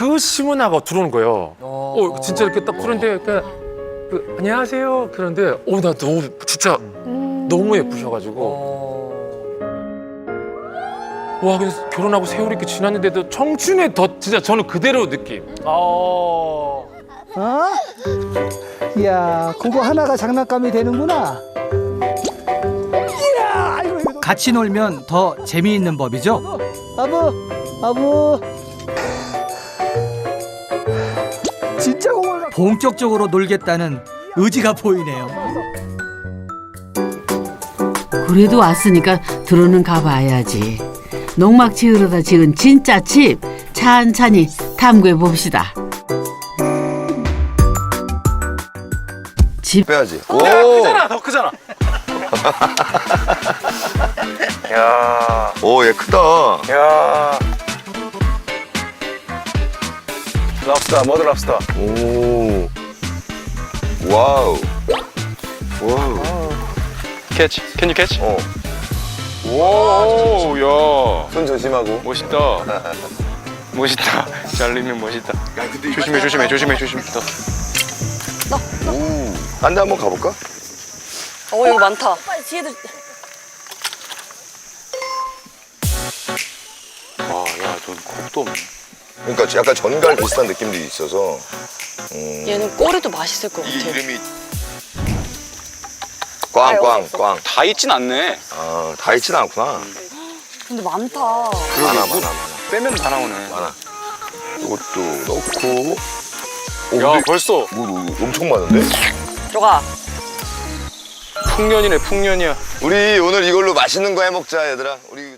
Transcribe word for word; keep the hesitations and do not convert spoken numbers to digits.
그 시문화가 들어오는 거예요. 어, 어 진짜 이렇게 딱 그런데 그러니까 그, 안녕하세요 그런데 어 나 너무 진짜 음... 너무 예쁘셔가지고 와 그래서 결혼하고 세월이 이렇게 지났는데도 청춘의 더 진짜 저는 그대로 느낌. 어? 이야, 그거 하나가 장난감이 되는구나. 이야, 아이고, 이거. 같이 놀면 더 재미있는 법이죠. 아부, 아부. 진짜 공을. 본격적으로 놀겠다는 의지가 보이네요. 그래도 왔으니까 들어는 가봐야지. 농막 지으러다 지은 진짜 집 찬찬히 탐구해 봅시다. 집 빼야지. 오, 크잖아 더 크잖아. 야, 오, 얘 크다. 야. 랍스터, 머드 랍스터. 오, 와우, 와우. 캐치, can you catch? 어, 오, 야, 손 조심하고. 멋있다. 멋있다. 잘리면 멋있다. 조심해, 조심해, 조심해, 조심해. 오, 딴 데 한번 가볼까? 어 이거 많다. 빨리 뒤에도. 와, 야, 넌 겁도 없네. 그러니까 약간 전갈 비슷한 느낌도 있어서. 음, 얘는 꼬리도 맛있을 것 같아. 이름이 꽝, 꽝, 꽝. 다 있진 않네. 아, 다 있진 않구나. 근데 많다. 많아, 많아, 많아. 빼면 다 나오네. 많아. 이것도 넣고. 오, 야, 근데 벌써 뭐, 뭐, 엄청 많은데? 들어가. 풍년이네, 풍년이야. 우리 오늘 이걸로 맛있는 거 해 먹자, 얘들아. 우리